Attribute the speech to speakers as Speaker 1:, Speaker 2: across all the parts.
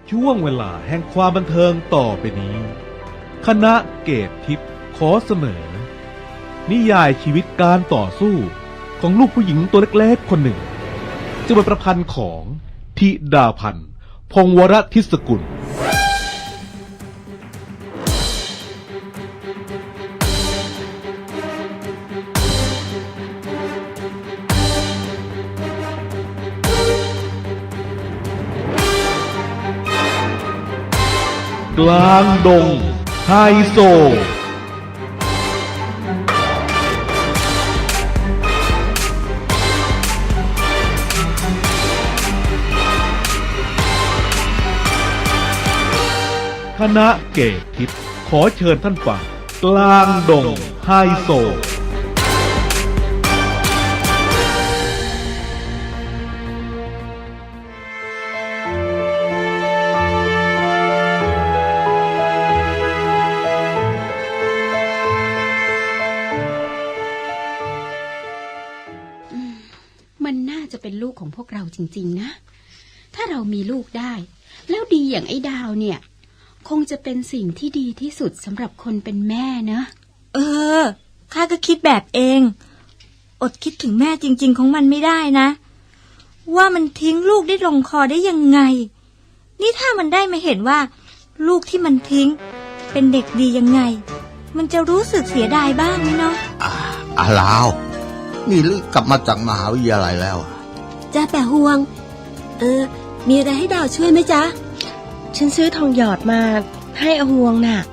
Speaker 1: ช่วงเวลาแห่งความบันเทิงต่อไปนี้คณะเกตทิพย์ขอเสนอนิยายชีวิตการต่อสู้ของลูกผู้หญิงตัวเล็กๆคนหนึ่งจะเป็นประพันธ์ของธิดาพันธ์พงศ์วรทิศกุลกลางดงไฮโซคณะเกตทิพย์ขอเชิญท่านฟังกลางดงไฮโซ
Speaker 2: มันน่าจะเป็นลูกของพวกเราจริงๆนะถ้าเรามีลูกได้แล้วดีอย่างไอ้ดาวเนี่ยคงจะเป็นสิ่งที่ดีที่สุดสำหรับคนเป็นแม่นะ
Speaker 3: ข้าก็คิดแบบเองอดคิดถึงแม่จริงๆของมันไม่ได้นะว่ามันทิ้งลูกได้ลงคอได้ยังไงนี่ถ้ามันได้มาเห็นว่าลูกที่มันทิ้งเป็นเด็กดียังไงมันจะรู้สึกเสียดายบ้างไหมเนาะ
Speaker 4: ลาวนี่ลึกกลับมาจากมหาวิทยาลัยแล้ว
Speaker 5: จ้าแปะห่วงมีอะไรให้ดาวช่วยไหมจ๊ะฉันซื้อทองหยอดมาให้อาห่วงน่ะ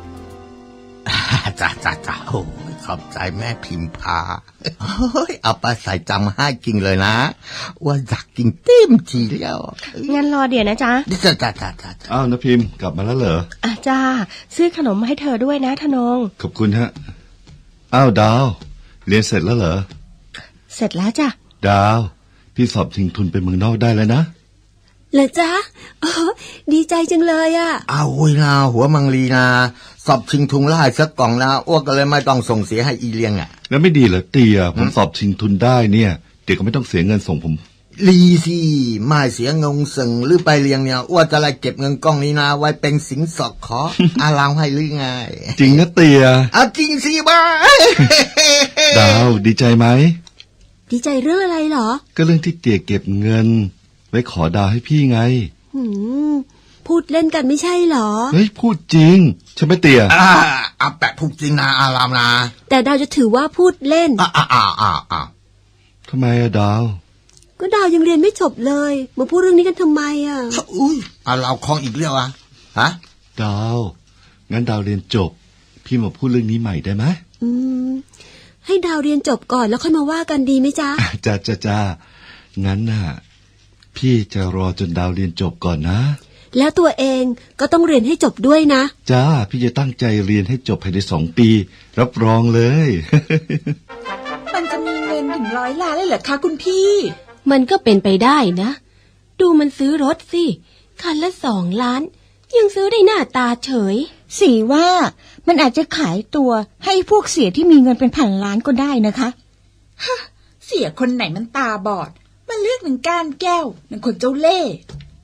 Speaker 4: จ้าโอ้ยขอบใจแม่พิมพาเอาไปใส่จำให้กินเลยนะว่าอยากกินเต็มทีแล้ว
Speaker 5: งั้นรอเดี๋ยวนะจ๊ะ
Speaker 4: จ้า
Speaker 6: อ้าวนะพิมพ์กลับมาแล้วเหรอ
Speaker 5: จ้าซื้อขนมมาให้เธอด้วยนะธนง
Speaker 6: ขอบคุณฮะอ้าวดาวเรียนเสร็จแล้วเหรอ
Speaker 5: เสร็จแล้วจ้ะ
Speaker 6: ดาวพี่สอบชิงทุนไปเมืองนอกได้แล้วนะ
Speaker 5: เหรอจ๊ะดีใจจังเลยอ่ะ
Speaker 4: อ้าวนาหัวมังลีนาสอบชิงทุนได้สักกล่องนะอ้วกก็เลยไม่ต้องส่งเสียให้อีเลียง
Speaker 6: แล้วไม่ดีเหรอเตียผมสอบชิงทุนได้เนี่ยเดี๋ยวก็ไม่ต้องเสียเงินส่งผม
Speaker 4: ลีสิไม่เสียเงินส่งหรือไปเลี้ยงเนี่ยอ้วจะไล่เก็บเงินกล้องนี้นะไว้เป็นสินสอดขอลาวให้หรือไง
Speaker 6: จริงนะเตีย
Speaker 4: จริงสิบ้า
Speaker 6: ดาวดีใจไหม
Speaker 5: ดีใจเรื่องอะไรเหรอ
Speaker 6: ก็เรื่องที่เตียเก็บเงินไว้ขอดาวให้พี่ไง
Speaker 5: พูดเล่นกันไม่ใช่เหรอ
Speaker 6: เฮ้ยพูดจริงใช่ไหมเตีย
Speaker 4: แปะพูดจริงนะอารามนะ
Speaker 5: แต่ดาวจะถือว่าพูดเล่น
Speaker 6: ทำไมดาว
Speaker 5: ก็ดาวยังเรียนไม่จบเลยมาพูดเรื่องนี้กันทำไม
Speaker 4: อุ้ยเราคลองอีกเรื่องฮะ
Speaker 6: ดาวงั้นดาวเรียนจบพี่มาพูดเรื่องนี้ใหม่ได้ไหม
Speaker 5: ให้ดาวเรียนจบก่อนแล้วค่อยมาว่ากันดีไหมจ๊ะ
Speaker 6: จ้างั้นน่ะพี่จะรอจนดาวเรียนจบก่อนนะ
Speaker 5: แล้วตัวเองก็ต้องเรียนให้จบด้วยนะ
Speaker 6: จ้าพี่จะตั้งใจเรียนให้จบภายใน2 ปีรับรองเลย
Speaker 3: มันจะมีเงินถึง100 ล้านเลยเหรอคะคุณพี่
Speaker 2: มันก็เป็นไปได้นะดูมันซื้อรถสิคันละ2 ล้านยังซื้อได้หน้าตาเฉย
Speaker 3: สีว่ามันอาจจะขายตัวให้พวกเสียที่มีเงินเป็นพันล้านก็ได้นะคะฮะเสียคนไหนมันตาบอดมันเลือกหนึ่งก้านแก้วหนึ่งคนเจ้าเล่ห์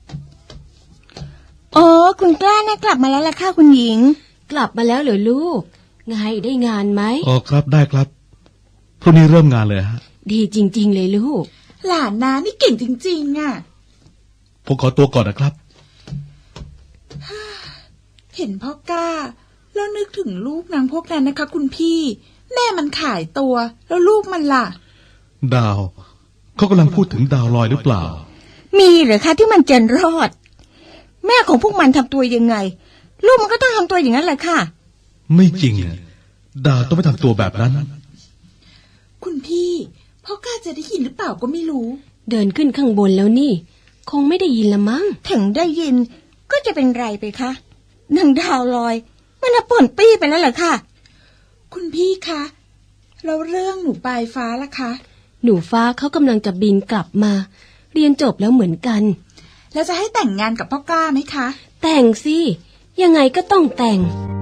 Speaker 3: คุณกล้านะกลับมาแล้วล่ะค่ะคุณหญิง
Speaker 2: กลับมาแล้วเหรอลูกไงได้งานไหม
Speaker 1: ครับได้ครับพรุ่งนี้เริ่มงานเลยฮะ
Speaker 2: ดีจริงๆเลยลูก
Speaker 3: หลานนานี่เก่งจริงๆ
Speaker 1: ผมขอตัวก่อนนะครับ
Speaker 3: เห็นพ่อกล้าแล้วนึกถึงลูกนางพวกนั้นนะคะคุณพี่แม่มันขายตัวแล้วลูกมันล่ะ
Speaker 1: ดาวเขากำลังพูดถึงดาวลอยหรือเปล่า
Speaker 3: มีเหรอคะที่มันจะรอดแม่ของพวกมันทำตัวยังไงลูกมันก็ต้องทำตัวอย่างนั้นแหละค่ะ
Speaker 1: ไม่จริงดาวต้องไม่ทำตัวแบบนั้น
Speaker 3: คุณพี่พ่อกล้าจะได้ยินหรือเปล่าก็ไม่รู้
Speaker 2: เดินขึ้นข้างบนแล้วนี่คงไม่ได้ยินละมั้ง
Speaker 3: ถึงได้ยินก็จะเป็นไรไปคะนางดาวลอยมันป่นปี้ไปแล้วเหรอคะคุณพี่คะแล้วเรื่องหนูปลายฟ้าล่ะคะ
Speaker 2: หนูฟ้าเขากำลังจะบินกลับมาเรียนจบแล้วเหมือนกัน
Speaker 3: แล้วจะให้แต่งงานกับพ่อกล้าไหมคะ
Speaker 2: แต่งสิยังไงก็ต้องแต่ง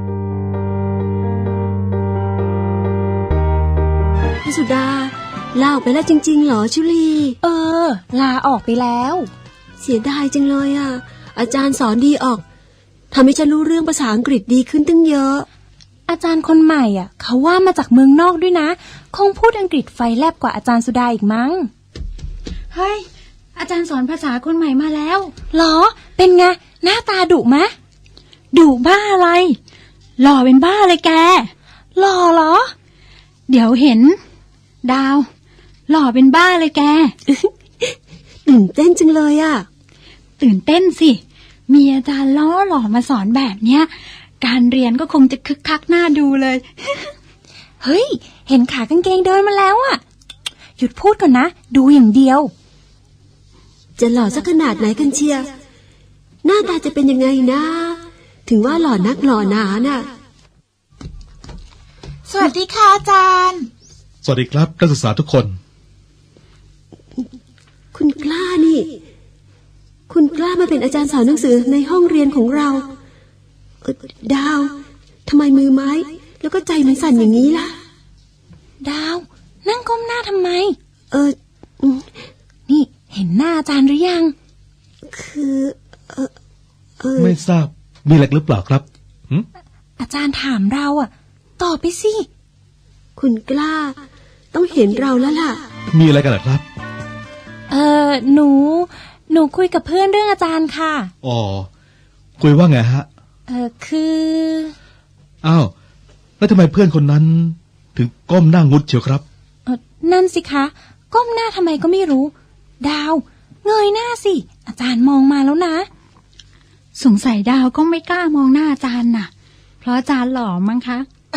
Speaker 5: พี่สุดาลาออกไปแล้วจริงๆเหรอชุลี
Speaker 3: ลาออกไปแล้ว
Speaker 5: เสียดายจังเลยอาจารย์สอนดีออกทำให้ฉันรู้เรื่องภาษาอังกฤษดีขึ้นตั้งเยอะ
Speaker 7: อาจารย์คนใหม่อ่ะเขาว่ามาจากเมืองนอกด้วยนะคงพูดอังกฤษไฟแลบกว่าอาจารย์สุดาอีกมั้ง
Speaker 2: เฮ้ย อาจารย์สอนภาษาคนใหม่มาแล้ว
Speaker 7: หรอเป็นไงหน้าตาดุมะ
Speaker 2: ดุบ้าอะไร หล่อเป็นบ้าเลยแก
Speaker 7: หล่อเหรอ
Speaker 2: เดี๋ยวเห็น ดาว หล่อเป็นบ้าเลยแก
Speaker 5: ตื่นเต้นจังเลยอะ
Speaker 2: ตื่นเต้นสิ มีอาจารย์ล้อหล่อมาสอนแบบเนี้ย การเรียนก็คงจะคึกคักน่าดูเลย
Speaker 7: เฮ้ยเห็นขากางเกงเดินมาแล้วอ่ะหยุดพูดก่อนนะดูอย่างเดียว
Speaker 5: จะหล่อสักขนาดไหนกันเชียร์หน้าตาจะเป็นยังไงนะ ถึงว่าหล่อนักหล่อหนาน่ะ
Speaker 3: สวัสดีค่ะอาจารย์
Speaker 1: สวัสดีครับนักศึกษาทุกคน
Speaker 5: คุณกล้านี่ คุณกล้ามาเป็นอาจารย์สอนหนังสือในห้องเรียนของเราดาวทำไมมือไม้ แล้วก็ใจมันสั่นอย่างนี้ล่ะ
Speaker 7: ดาวนั่งก้มหน้าทำไม
Speaker 5: อืม
Speaker 7: นี่เห็นหน้าอาจารย์หรือยัง
Speaker 5: คือ
Speaker 1: ไม่ทราบมีอะไรหรือเปล่าครับหึ
Speaker 7: อาจารย์ถามเราอ่ะตอบไปสิ
Speaker 5: คุณกล้า ต้องเห็นเราแล้วล่ะ
Speaker 1: มีอะไรกันเหรอครับ
Speaker 7: หนูคุยกับเพื่อนเรื่องอาจารย์ค่ะ
Speaker 1: อ๋อคุยว่าไงฮะ
Speaker 7: คือ
Speaker 1: อ้าวแล้วทำไมเพื่อนคนนั้น ถึงก้มหน้างุดเชียวครับ
Speaker 7: นั่นสิคะก้มหน้าทำไมก็ไม่รู้ ดาวเงยหน้าสิอาจารย์มองมาแล้วนะ
Speaker 2: สงสัยดาวก็ไม่กล้ามองหน้าอาจารย์น่ะ เพราะอาจารย์หล่อมั้งคะ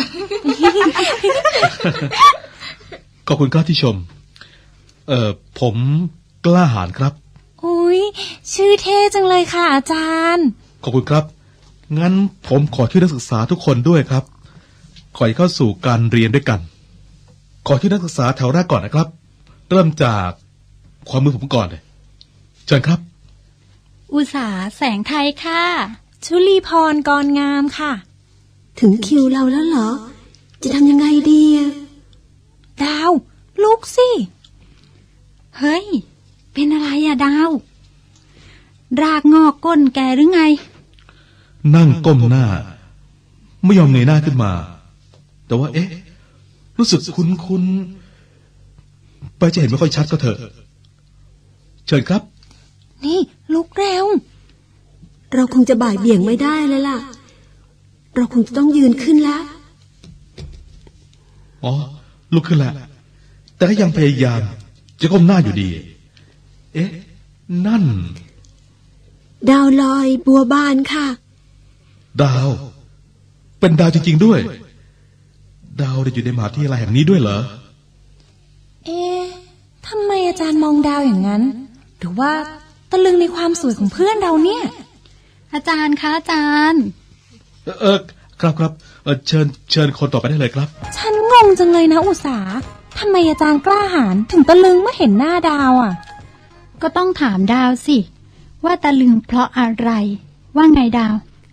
Speaker 1: ขอบคุณครับที่ชม ผมกล้าหาญครับ
Speaker 7: อุ๊ยชื่อเท่จังเลยค่ะอาจารย์
Speaker 1: ขอบคุณครับ งั้นผมขอช่วยนักศึกษาทุกคนด้วยครับ ขอให้เข้าสู่การเรียนด้วยกัน ขอช่วยนักศึกษาแถวแรกก่อนนะครับ เริ่มจากความมือผมก่อนเลยเชิญครับ
Speaker 2: อุตสาแสงไทยค่ะ
Speaker 7: ชุลีพรกรงามค่ะ
Speaker 5: ถึงคิวเราแล้วเหรอ จะทำยังไงดีอะ
Speaker 7: ดาวลุกสิ
Speaker 2: เฮ้ย เป็นอะไรอะดาว รากงอกก้นแกหรือไง
Speaker 1: นั่งก้มหน้า ไม่ยอมเงยหน้าขึ้นมา แต่ว่า รู้สึกคุ้นๆไปจะเห็นไม่ค่อยชัดก็เถอะเชิญครับ
Speaker 7: นี่ลุกเร็ว
Speaker 5: เราคงจะบ่ายเบี่ยงไม่ได้แล้วล่ะ เราคงจะต้องยืนขึ้นแล้ว
Speaker 1: อ๋อลุกขึ้นแล้วแต่ก็ยังพยายามจะก้มหน้าอยู่ดี นั่น
Speaker 5: ดาวลอยบัวบานค่ะ
Speaker 1: ดาว เป็นดาวจริงๆด้วย ดาวได้อยู่ในมหาวิทยาลัยแห่งนี้ด้วยเหรอ
Speaker 7: ทำไมอาจารย์มองดาวอย่างนั้น หรือว่าตะลึงในความสวยของเพื่อนเราเนี่ย
Speaker 2: อาจารย์คะอาจารย์
Speaker 1: ครับเชิญคนต่อไปได้เลยครับ
Speaker 7: ฉันงงจังเลยนะอุตสาทำไมอาจารย์กล้าหาญถึงตะลึงเมื่อเห็นหน้าดาวอ่ะ
Speaker 2: ก็ต้องถามดาวสิ ว่าตะลึงเพราะอะไร ว่าไงดาว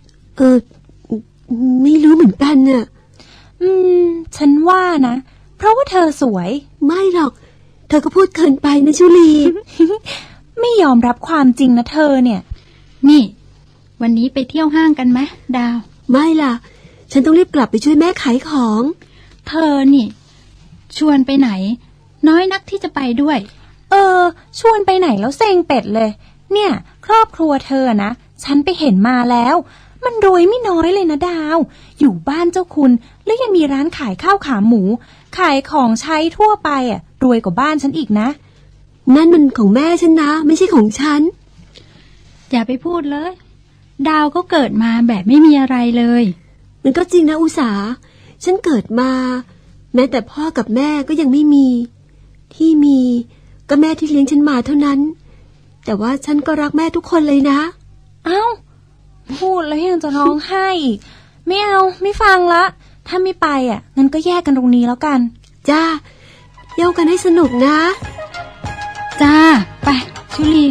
Speaker 5: ไม่รู้เหมือนกันน่ะ
Speaker 7: ฉันว่านะเพราะว่าเธอสวย
Speaker 5: ไม่หรอก เธอก็พูดเกินไปนะชุลี
Speaker 7: ไม่ยอมรับความจริงนะเธอเนี่ย
Speaker 2: นี่ วันนี้ไปเที่ยวห้างกันไหมดาว
Speaker 5: ไม่ล่ะ ฉันต้องรีบกลับไปช่วยแม่ขายของ
Speaker 2: เธอนี่ ชวนไปไหน น้อยนักที่จะไปด้วย
Speaker 7: ชวนไปไหนแล้วเซ็งเป็ดเลย เนี่ย ครอบครัวเธอนะฉันไปเห็นมาแล้ว มันรวยไม่น้อยเลยนะดาว อยู่บ้านเจ้าคุณแล้วยังมีร้านขายข้าวขาหมู ขายของใช้ทั่วไปอ่ะรวยกว่าบ้านฉันอีกนะ
Speaker 5: นั่นมันของแม่ฉันนะ ไม่ใช่ของฉัน
Speaker 2: อย่าไปพูดเลย ดาวก็เกิดมาแบบไม่มีอะไรเลย
Speaker 5: มันก็จริงนะอุสา ฉันเกิดมา แม้แต่พ่อกับแม่ก็ยังไม่มี ที่มีก็แม่ที่เลี้ยงฉันมาเท่านั้น แต่ว่าฉันก็รักแม่ทุกคนเลยนะ
Speaker 7: เอ้าพูดแล้วยังจะร้องไห้อีก ไม่เอาไม่ฟังละ ถ้าไม่ไปอ่ะงั้นก็แยกกันตรงนี้แล้วกัน
Speaker 5: จ้าเย้ากันให้สนุกนะ
Speaker 2: จ้า ไป ชุลี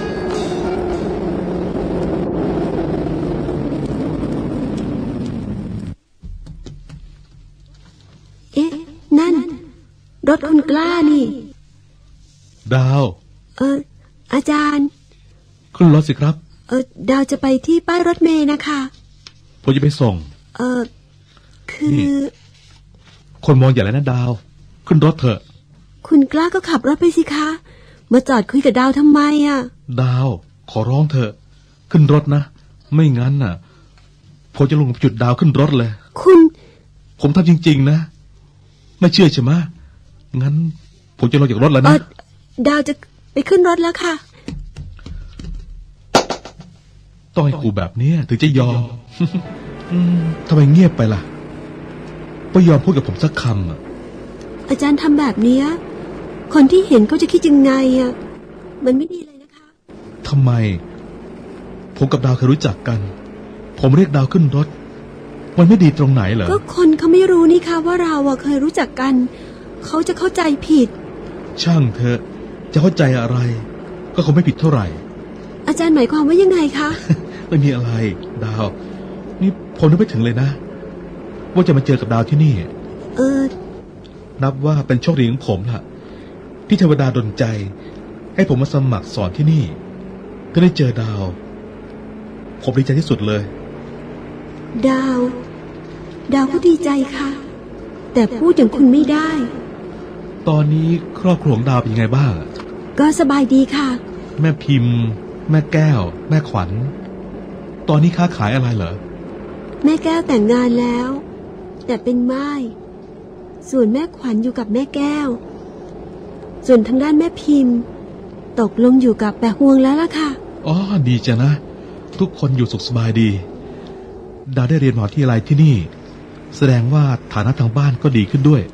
Speaker 5: นั่น รถคุณกล้านี่
Speaker 1: ดาว
Speaker 5: อาจารย์
Speaker 1: ขึ้นรถสิครับ
Speaker 5: ดาวจะไปที่ป้ายรถเมล์นะคะ
Speaker 1: ผมจะไปส่ง
Speaker 5: คือ
Speaker 1: นี่ คนมองอย่าแล้วนะดาว ขึ้นรถเถอะ
Speaker 5: คุณกล้าก็ขับรถไปสิคะ มาจอดคุยกับดาวทำไมอ่ะ
Speaker 1: ดาว ขอร้องเถอะ ขึ้นรถนะ ไม่งั้นน่ะ ผมจะลงจุดดาวขึ้นรถเลย
Speaker 5: คุณ
Speaker 1: ผมทำจริงๆนะ ไม่เชื่อใช่ไหมงั้น ผมจะลงจากรถแล้วนะ
Speaker 5: ดาวจะไปขึ้นรถแล้วค่ะ
Speaker 1: ต้องให้กูแบบเนี้ยถึงจะยอม ทำไมเงียบไปล่ะไม่ยอมพูดกับผมสักคำอ่ะ
Speaker 5: อาจารย์ทำแบบเนี้ยคนที่เห็นเขาจะคิดยังไงอ่ะ มันไม่ดีเลยนะคะ
Speaker 1: ทำไม ผมกับดาวเคยรู้จักกัน ผมเรียกดาวขึ้นรถ มันไม่ดีตรงไหนเหรอ
Speaker 5: ก็คนเขาไม่รู้นี่ค่ะว่าเราอะเคยรู้จักกัน เขาจะเข้าใจผิด
Speaker 1: ช่างเถอะจะเข้าใจอะไร ก็คงไม่ผิดเท่าไหร่
Speaker 5: อาจารย์หมายความว่ายังไงคะ
Speaker 1: ไม่มีอะไร ดาว นี่ผมนึกไม่ถึงเลยนะ ว่าจะมาเจอกับดาวที่นี่ นับว่าเป็นโชคดีของผมล่ะ ที่เทวดาดลใจ ให้ผมมาสมัครสอนที่นี่ก็ได้เจอดาว ผมดีใจที่สุดเลย
Speaker 5: ดาว ดาวก็ดีใจค่ะ แต่พูดอย่างคุณไม่ได้
Speaker 1: ตอนนี้ครอบครัวของดาวเป็นยังไงบ้าง
Speaker 5: ก็สบายดีค่ะ
Speaker 1: แม่พิมพ์ แม่แก้ว แม่ขวัญ ตอนนี้ค้าขายอะไรเหรอ
Speaker 5: แม่แก้วแต่งงานแล้ว แต่เป็นม่ายส่วนแม่ขวัญอยู่กับแม่แก้ว ส่วนทางด้านแม่พิมพ์ ตกลงอยู่กับแปะฮวงแล้วล่ะค่ะ
Speaker 1: อ๋อ ดีจ้ะนะ ทุกคนอยู่สุขสบายดี ดาวได้เรียนมหาวิทยาลัยที่นี่ แสดงว่าฐานะทางบ้านก็ดีขึ้นด้วย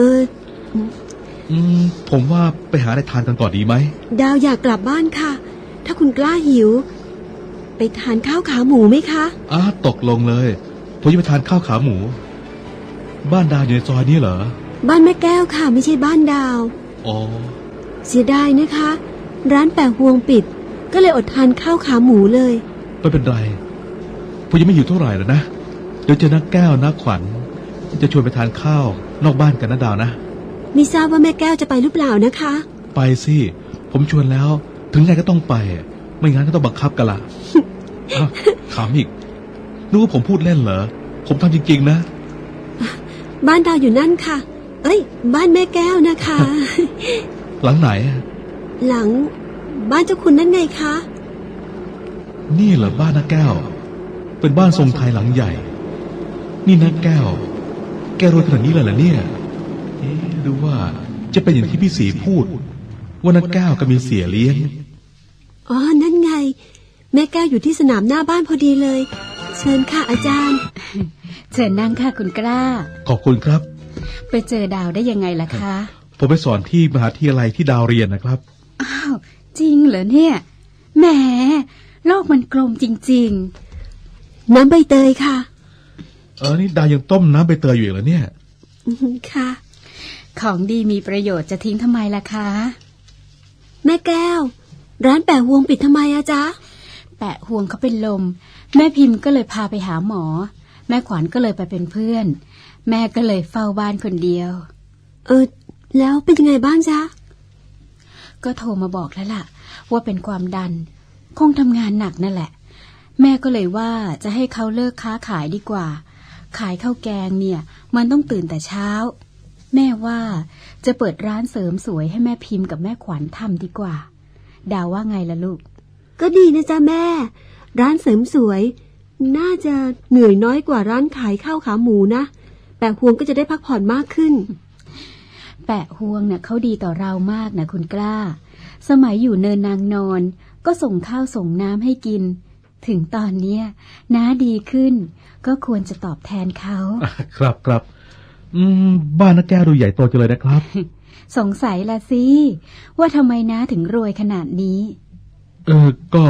Speaker 1: ผมว่าไปหาอะไรทานกันก่อนดีไหม
Speaker 5: ดาวอยากกลับบ้านค่ะ ถ้าคุณกล้าหิว ไปทานข้าวขาหมูไหมคะ
Speaker 1: ตกลงเลย ผมจะไปทานข้าวขาหมู บ้านดาวอยู่ในซอยนี้เหรอ
Speaker 5: บ้านแม่แก้วค่ะ ไม่ใช่บ้านดาว
Speaker 1: อ๋อ
Speaker 5: เสียดายนะคะ ร้านแปะฮวงปิด ก็เลยอดทานข้าวขาหมูเลย
Speaker 1: ไม่เป็นไร ผมยังไม่อยู่เท่าไหร่แล้วนะ เดี๋ยวเจอนักแก้วนักขวัญ จะชวนไปทานข้าวนอกบ้านกันนะดาวนะ
Speaker 5: ไม่ทราบว่าแม่แก้วจะไปหรือเปล่านะคะ
Speaker 1: ไปสิ ผมชวนแล้ว ถึงไงก็ต้องไป ไม่งั้นก็ต้องบังคับกันละ ขำอีกนึกว่าผมพูดเล่นเหรอ ผมทำจริงๆนะ
Speaker 5: บ้านดาวอยู่นั่นค่ะ เอ้ย บ้านแม่แก้วนะคะ
Speaker 1: หลังไหน
Speaker 5: หลังบ้านเจ้าคุณนั่นไงคะ
Speaker 1: นี่เหรอบ้านนักแก้ว เป็นบ้านทรงไทยหลังใหญ่ นี่นักแก้ว แกรวยขนาดนี้เลยเหรอเนี่ยหรือว่าจะเป็นอย่างที่พี่ศรีพูด ว่านักแก้วก็มีเสียเลี้ยง
Speaker 5: อ๋อ นั่นไง แม่แก้วอยู่ที่สนามหน้าบ้านพอดีเลย เชิญค่ะอาจารย์
Speaker 2: เชิญนั่งค่ะคุณกล้า
Speaker 1: ขอบคุณครับ
Speaker 2: ไปเจอดาวได้ยังไงล่ะคะ
Speaker 1: ผมไปสอนที่มหาวิทยาลัยที่ดาวเรียนนะครับ
Speaker 2: อ้าว จริงเหรอเนี่ยแหมโลกมันกลมจริง
Speaker 5: น้ำใบเตยค่ะ
Speaker 1: นี่ดาวยังต้มน้ำใบเตยอยู่อีกเหรอเนี่ย
Speaker 5: ค่ะ
Speaker 2: ๆ ของดีมีประโยชน์จะทิ้งทำไมล่ะคะ
Speaker 5: แม่แก้ว ร้านแปะฮวงปิดทำไมอะจ๊ะ
Speaker 2: แปะห่วงเขาเป็นลม แม่พิมพ์ก็เลยพาไปหาหมอ แม่ขวัญก็เลยไปเป็นเพื่อน แม่ก็เลยเฝ้าบ้านคนเดียว
Speaker 5: แล้วเป็นยังไงบ้างจ๊ะ
Speaker 2: ก็โทรมาบอกแล้วล่ะ ว่าเป็นความดัน คงทำงานหนักนั่นแหละ แม่ก็เลยว่าจะให้เขาเลิกค้าขายดีกว่า ขายข้าวแกงเนี่ย มันต้องตื่นแต่เช้า แม่ว่าจะเปิดร้านเสริมสวยให้แม่พิมพ์กับแม่ขวัญทำดีกว่า ดาวว่าไงล่ะลูก
Speaker 5: ก็ดีนะจ๊ะแม่ ร้านเสริมสวย น่าจะเหนื่อยน้อยกว่าร้านขายข้าวขาหมูนะแปะฮวงก็จะได้พักผ่อนมากขึ้น
Speaker 2: แปะห่วงเนี่ยเขาดีต่อเรามากนะคุณกล้า สมัยอยู่เนินนางนอน ก็ส่งข้าวส่งน้ำให้กิน ถึงตอนเนี้ยน้าดีขึ้น ก็ควรจะตอบแทนเขา
Speaker 1: ครับครับบ้านนักแก้วดูใหญ่โตจังเลยนะครับ
Speaker 2: สงสัยละสิว่าทำไมน้าถึงรวยขนาดนี้
Speaker 1: ก็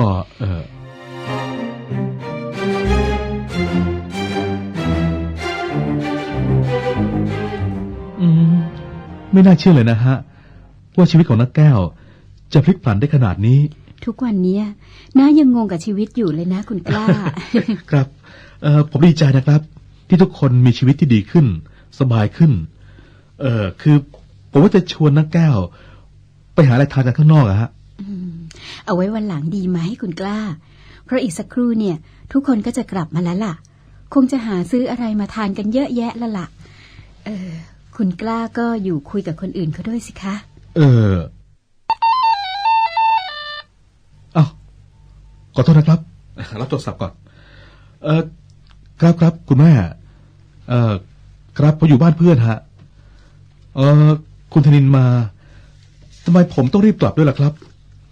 Speaker 1: ไม่น่าเชื่อเลยนะฮะ ว่าชีวิตของนักแก้วจะพลิกผันได้ขนาดนี้
Speaker 2: ทุกวันเนี้ยน้ายังงงกับชีวิตอยู่เลยนะคุณกล้า
Speaker 1: ครับ ผมดีใจนะครับ ที่ทุกคนมีชีวิตที่ดีขึ้น สบายขึ้น คือผมว่าจะชวนนักแก้ว ไปหาอะไรทานกันข้างนอกอะฮะ
Speaker 2: เอาไว้วันหลังดีไหมคุณกล้าเพราะอีกสักครู่เนี่ยทุกคนก็จะกลับมาแล้วล่ะคงจะหาซื้ออะไรมาทานกันเยอะแยะแล้วล่ะคุณกล้าก็อยู่คุยกับคนอื่นเขาด้วยสิคะ
Speaker 1: ขอโทษนะครับรับโทรศัพท์ก่อนครับคุณแม่ครับผมอยู่บ้านเพื่อนฮะคุณธนินมาทำไมผมต้องรีบกลับด้วยล่ะครับ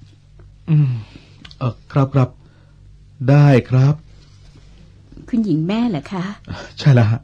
Speaker 1: ครับได้ครับ
Speaker 2: คุณหญิงแม่เหรอคะ
Speaker 1: ใช่แล้วฮะ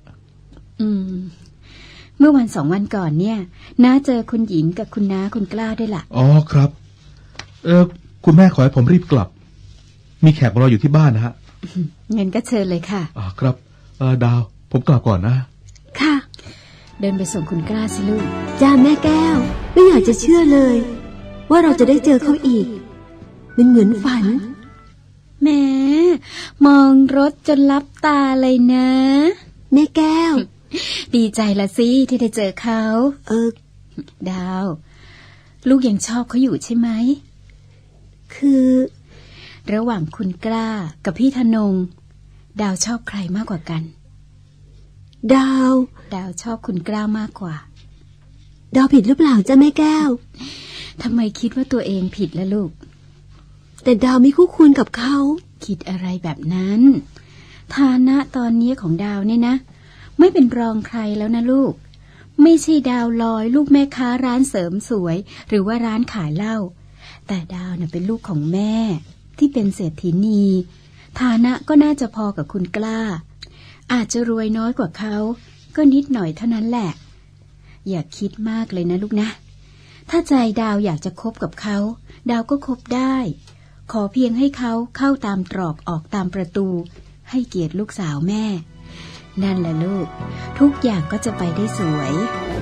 Speaker 2: เมื่อวัน2 วันก่อนเนี่ยน้าเจอคุณหญิงกับคุณน้าคุณกล้าด้วยล่ะ
Speaker 1: อ๋อครับคุณแม่ขอให้ผมรีบกลับมีแขกรออยู่ที่บ้านนะฮะ
Speaker 2: เงินก็เชิญเลยค่ะ
Speaker 1: ครับดาวผมกลับก่อนนะ
Speaker 5: ค่ะ
Speaker 2: เดินไปส่งคุณกล้าสิลูก
Speaker 5: จ้าแม่แก้วไม่อยากจะเชื่อเลยว่าเราจะได้เจอเขาอีกมันเหมือนฝัน
Speaker 2: แม่มองรถจนลับตาเลยนะ
Speaker 5: แม่แก้ว
Speaker 2: ดีใจละสิที่ได้เจอเขาดาวลูกยังชอบเขาอยู่ใช่ไหม
Speaker 5: คือ
Speaker 2: ระหว่างคุณกล้ากับพี่ธนงดาวชอบใครมากกว่ากัน
Speaker 5: ดาว
Speaker 2: ชอบคุณกล้ามากกว่า
Speaker 5: ดาวผิดหรือเปล่าจ๊ะแม่แก้ว
Speaker 2: ทำไมคิดว่าตัวเองผิดล่ะลูก
Speaker 5: แต่ดาวไม่คู่ควรกับเขา
Speaker 2: คิดอะไรแบบนั้นฐานะตอนนี้ของดาวเนี่ยนะไม่เป็นรองใครแล้วนะลูกไม่ใช่ดาวลอยลูกแม่ค้าร้านเสริมสวยหรือว่าร้านขายเหล้าแต่ดาวน่ะเป็นลูกของแม่ที่เป็นเศรษฐีนีฐานะก็น่าจะพอกับคุณกล้าอาจจะรวยน้อยกว่าเขาก็นิดหน่อยเท่านั้นแหละอย่าคิดมากเลยนะลูกนะถ้าใจดาวอยากจะคบกับเขาดาวก็คบได้ขอเพียงให้เขาเข้าตามตรอกออกตามประตูให้เกียรติลูกสาวแม่นั่นแหละลูกทุกอย่างก็จะไปได้สวย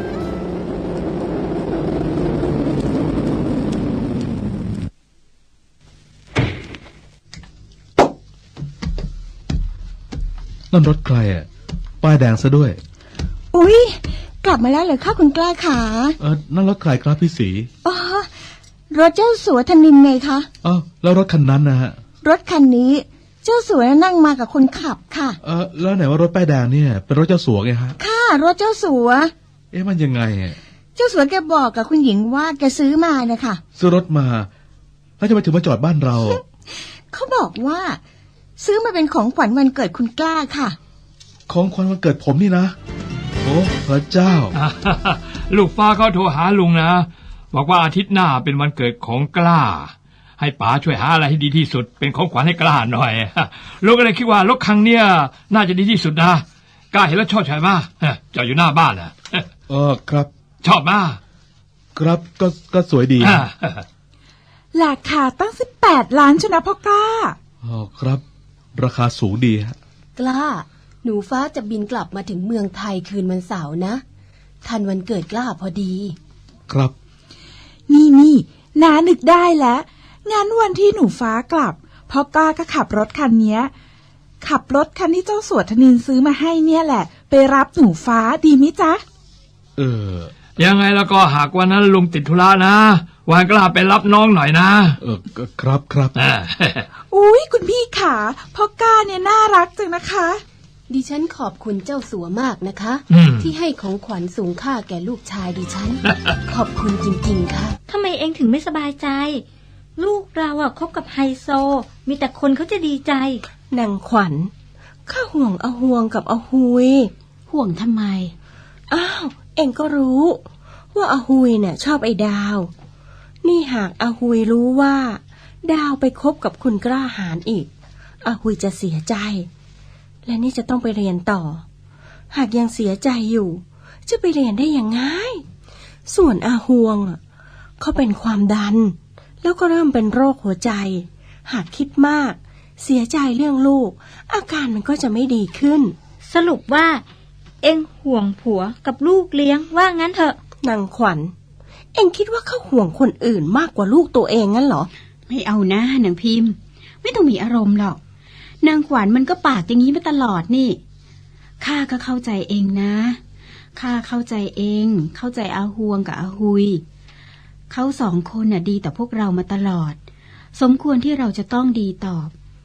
Speaker 1: นั่นรถใครป้ายแดงซะด้วย
Speaker 7: อุ๊ยกลับมาแล้วเหรอคะคุณกล้าขา
Speaker 1: นั่นรถใครครับพี่ศรี
Speaker 7: อ๋อรถเจ้าสัวธนินไงคะ
Speaker 1: แล้วรถคันนั้นนะฮะ
Speaker 7: รถคันนี้เจ้าสัวนั่งมากับคนขับค่ะ
Speaker 1: แล้วไหนว่ารถป้ายแดงเนี่ยเป็นรถเจ้าสัวไงฮะ
Speaker 7: ค่ะรถเจ้าสัว
Speaker 1: มันยังไง
Speaker 7: เจ้าสัวแกบอกกับคุณหญิงว่าแกซื้อมานะคะ
Speaker 1: ซื้อรถมาแล้วจะมาถึงมาจอดบ้านเรา
Speaker 7: เขาบอกว่าซื้อมาเป็นของขวัญวันเกิดคุณกล้าค่ะ
Speaker 1: ของขวัญวันเกิดผมนี่นะโอ้พระเจ้า
Speaker 8: ลูกฟ้าเขาโทรหาลุงนะบอกว่าอาทิตย์หน้าเป็นวันเกิดของกล้าให้ป๋าช่วยหาอะไรให้ดีที่สุดเป็นของขวัญให้กล้าหน่อยลูกก็เลยคิดว่ารถคันเนี้ยน่าจะดีที่สุดนะกล้าเห็นแล้วชอบใช่ไหมจอดอยู่หน้าบ้านนะ
Speaker 1: ครับ
Speaker 8: ชอบมาก
Speaker 1: ครับก็สวยดี
Speaker 7: ราคาตั้ง18 ล้านชนะพ่อกล้า
Speaker 1: ครับราคาสูงดีฮะ
Speaker 5: กล้าหนูฟ้าจะบินกลับมาถึงเมืองไทยคืนวันเสาร์นะทันวันเกิดกล้าพอดี
Speaker 1: ครับ
Speaker 7: นี่น้านึกได้แล้วงั้นวันที่หนูฟ้ากลับพ่อกล้าก็ขับรถคันนี้ขับรถคันที่เจ้าสัวธนินซื้อมาให้เนี่ยแหละไปรับหนูฟ้าดีมิจ๊ะ
Speaker 8: ยังไงแล้วก็หากวันนั้นลุงติดธุระนะวันกล้าไปรับน้องหน่อยนะ
Speaker 1: ครับ
Speaker 7: อุ๊ยคุณพี่ขาพ่อกล้าเนี่ยน่ารักจังนะคะ
Speaker 5: ดิฉันขอบคุณเจ้าสัวมากนะคะที่ให้ของขวัญสูงค่าแก่ลูกชายดิฉัน ขอบคุณจริงๆค่ะ
Speaker 3: ทำไมเองถึงไม่สบายใจลูกเราคบกับไฮโซมีแต่คนเขาจะดีใจ
Speaker 5: นางขวัญข้าห่วงอาห่วงกับอาหุย
Speaker 2: ห่วงทำไม
Speaker 5: อ้าวเองก็รู้ว่าอาหุยเนี่ยชอบไอ้ดาวนี่หากอาหุยรู้ว่าดาวไปคบกับคุณกล้าหาญอีกอาหุยจะเสียใจและนี่จะต้องไปเรียนต่อหากยังเสียใจอยู่จะไปเรียนได้ยังไงส่วนอาห่วงเขาเป็นความดันแล้วก็เริ่มเป็นโรคหัวใจหากคิดมากเสียใจเรื่องลูกอาการมันก็จะไม่ดีขึ้น
Speaker 3: สรุปว่าเอ็งห่วงผัวกับลูกเลี้ยงว่างั้นเถอะ
Speaker 5: นางขวัญเอ็งคิดว่าเขาห่วงคนอื่นมากกว่าลูกตัวเองงั้นเหรอ
Speaker 2: ไม่เอานะนางพิมพ์ไม่ต้องมีอารมณ์หรอกนางขวัญมันก็ปากอย่างนี้มาตลอดนี่ข้าก็เข้าใจเองนะข้าเข้าใจเองเข้าใจอาห่วงกับอาหุยเขา2 คนน่ะดีต่อพวกเรามาตลอดสมควรที่เราจะต้องดีตอบ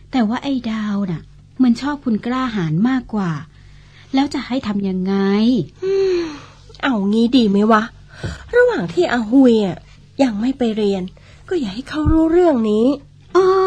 Speaker 2: แต่ว่าไอ้ดาวน่ะมันชอบคุณกล้าหาญมากกว่า แล้วจะให้ทำยังไง
Speaker 9: เอางี้ดีไหมวะ ระหว่างที่อาหุยยังไม่ไปเรียน ก็อย่าให้เขารู้เรื่องนี้
Speaker 2: อ๋อ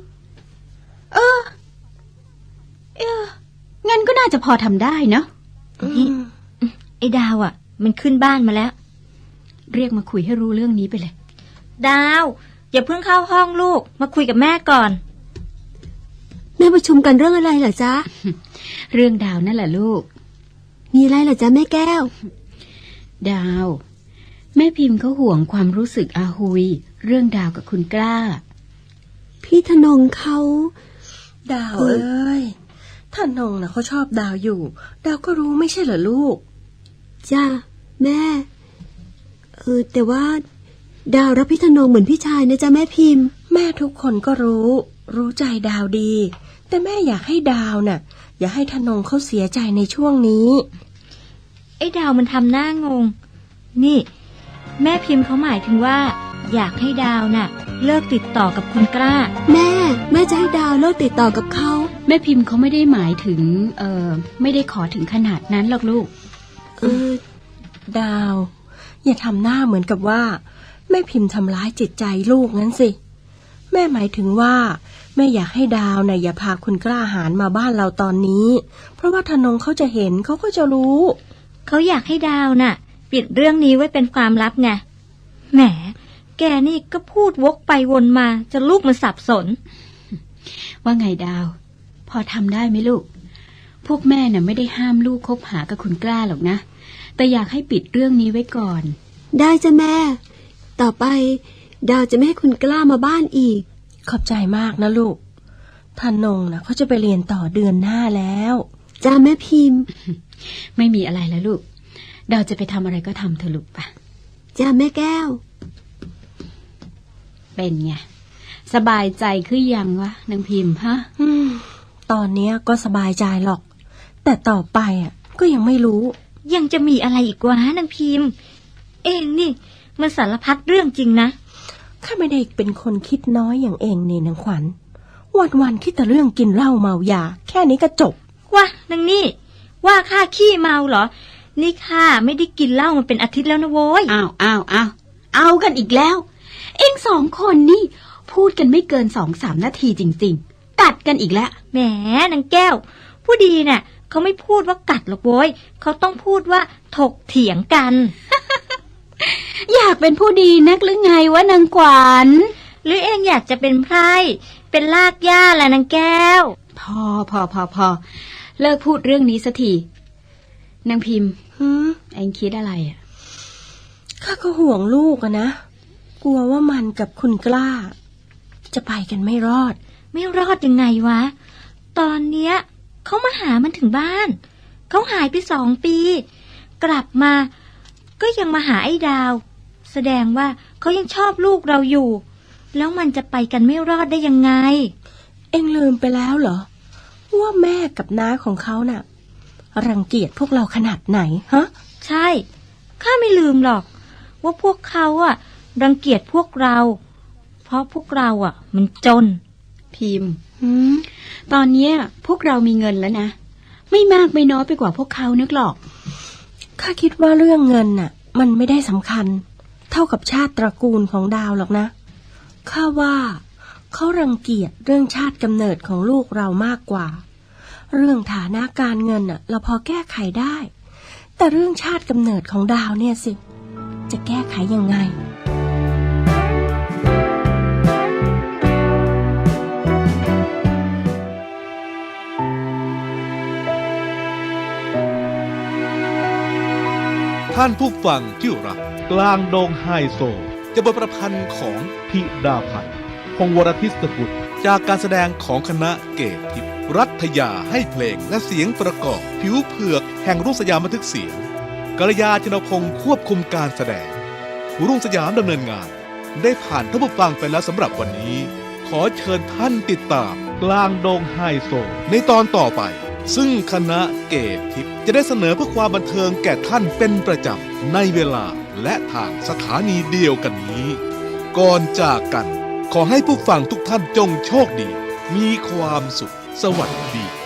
Speaker 2: งั้นก็น่าจะพอทำได้เนาะ
Speaker 3: นี่ไอ้ดาวมันขึ้นบ้านมาแล้ว
Speaker 2: เรียกมาคุยให้รู้เรื่องนี้ไปเลย
Speaker 3: ดาวอย่าเพิ่งเข้าห้องลูกมาคุยกับแม่ก่อน
Speaker 5: แม่ประชุมกันเรื่องอะไรเหรอจ๊ะ
Speaker 2: เรื่องดาวนั่นแหละลูก
Speaker 5: มีอะไรเหรอจ๊ะแม่แก้ว
Speaker 2: ดาว แม่พิมพ์เขาห่วงความรู้สึกอาหุยเรื่องดาวกับคุณกล้า
Speaker 5: พี่ธนงเขา
Speaker 9: ดาวเอ้ยท่านนงเขาชอบดาวอยู่ ดาวก็รู้ไม่ใช่เหรอลูก
Speaker 5: จ้าแม่แต่ว่าดาวรับพี่ธนงเหมือนพี่ชายนะจ๊ะแม่พิมพ์
Speaker 9: แม่ทุกคนก็รู้ใจดาวดี แต่แม่อยากให้ดาวอย่าให้ท่านนงเขาเสียใจในช่วงนี้
Speaker 3: ไอ้ดาวมันทำหน้างงนี่แม่พิมพ์เขาหมายถึงว่าอยากให้ดาวเลิกติดต่อกับคุณกล้า
Speaker 5: แม่จะให้ดาวเลิกติดต่อกับเขา
Speaker 2: แม่พิมพ์เขาไม่ได้หมายถึงไม่ได้ขอถึงขนาดนั้นหรอกลูก
Speaker 9: ดาวอย่าทำหน้าเหมือนกับว่าแม่พิมพ์ทำร้ายจิตใจลูกงั้นสิแม่หมายถึงว่าแม่อยากให้ดาวอย่าพาคุณกล้าหาญมาบ้านเราตอนนี้เพราะว่าธนงเขาจะเห็นเขาก็จะรู้
Speaker 3: เขาอยากให้ดาวปิดเรื่องนี้ไว้เป็นความลับไงแหมแกนี่ก็พูดวกไปวนมาจะลูกมันสับสน
Speaker 2: ว่าไงดาวพอทำได้ไหมลูกพวกแม่ไม่ได้ห้ามลูกคบหากับคุณกล้าหรอกนะแต่อยากให้ปิดเรื่องนี้ไว้ก่อน
Speaker 5: ได้จ้ะแม่ต่อไปดาวจะไม่ให้คุณกล้ามาบ้านอีก
Speaker 9: ขอบใจมากนะลูกท่านนงเขาจะไปเรียนต่อเดือนหน้าแล้ว
Speaker 5: จ้าแม่พิมพ์
Speaker 2: ไม่มีอะไรแล้วลูกดาวจะไปทำอะไรก็ทำเถอะลูกปะ
Speaker 5: จ้าแม่แก้ว
Speaker 2: เป็นไงสบายใจขึ้นยังวะนางพิมพ์ฮะ
Speaker 9: ตอนนี้ก็สบายใจหรอกแต่ต่อไปก็ยังไม่รู้
Speaker 3: ยังจะมีอะไรอีกวะนางพิมพ์เองนี่มันสารพัดเรื่องจริงนะ
Speaker 9: ข้าไม่ได้เป็นคนคิดน้อยอย่างเองนี่นางขวัญวันคิดแต่เรื่องกินเหล้าเมายาแค่นี้ก็จบ
Speaker 3: ว่านางนี่ว่าข้าขี้เมาเหรอนี่ข้าไม่ได้กินเหล้ามาเป็นอาทิตย์แล้วนะโว้ย
Speaker 2: เอากันอีกแล้วเอ็งสองคนนี่พูดกันไม่เกิน 2-3 นาทีจริงๆกัดกันอีกแล้ว
Speaker 3: แหมนางแก้วผู้ดีเขาไม่พูดว่ากัดหรอกโว้ยเขาต้องพูดว่าถกเถียงกัน
Speaker 2: อยากเป็นผู้ดีนักหรือไงวะนางขวัญ
Speaker 3: หรือเองอยากจะเป็นไพร่เป็นลากหญ้าแหละนางแก้ว
Speaker 2: พอเลิกพูดเรื่องนี้สักทีนางพิมพ์เอ็งคิดอะไร
Speaker 9: ข้าก็ห่วงลูกนะกลัวว่ามันกับคุณกล้าจะไปกันไม่รอด
Speaker 3: ยังไงวะตอนเนี้ยเขามาหามันถึงบ้านเขาหายไป2 ปีกลับมาก็ยังมาหาไอ้ดาวแสดงว่าเขายังชอบลูกเราอยู่แล้วมันจะไปกันไม่รอดได้ยังไง
Speaker 9: เอ็งลืมไปแล้วเหรอว่าแม่กับน้าของเขารังเกียจพวกเราขนาดไหนฮะ
Speaker 3: ใช่ข้าไม่ลืมหรอกว่าพวกเขารังเกียจพวกเราเพราะพวกเรามันจน
Speaker 2: พิมพ์ตอนนี้พวกเรามีเงินแล้วนะไม่มากไม่น้อยไปกว่าพวกเขานึกหรอก
Speaker 9: ข้าคิดว่าเรื่องเงินมันไม่ได้สำคัญเท่ากับชาติตระกูลของดาวหรอกนะข้าว่าเขารังเกียจเรื่องชาติกำเนิดของลูกเรามากกว่าเรื่องฐานะการเงินเราพอแก้ไขได้แต่เรื่องชาติกำเนิดของดาวเนี่ยสิจะแก้ไขยังไง
Speaker 1: ท่านผู้ฟังที่รักกลางดงไฮโซจะบทประพันธ์ของธิดาพันธ์พงศ์วรทิศกุลจากการแสดงของคณะเกตทิพย์รัฐยาให้เพลงและเสียงประกอบผิวเผือกแห่งรุ่งสยามบันทึกเสียงกัลยาชนพงศ์ควบคุมการแสดงรุ่งสยามดำเนินงานได้ผ่านท่านผู้ฟังไปแล้วสำหรับวันนี้ขอเชิญท่านติดตามกลางดงไฮโซในตอนต่อไปซึ่งคณะเกตทิพย์จะได้เสนอเพื่อความบันเทิงแก่ท่านเป็นประจำในเวลาและทางสถานีเดียวกันนี้ก่อนจากกันขอให้ผู้ฟังทุกท่านจงโชคดีมีความสุข สวัสดี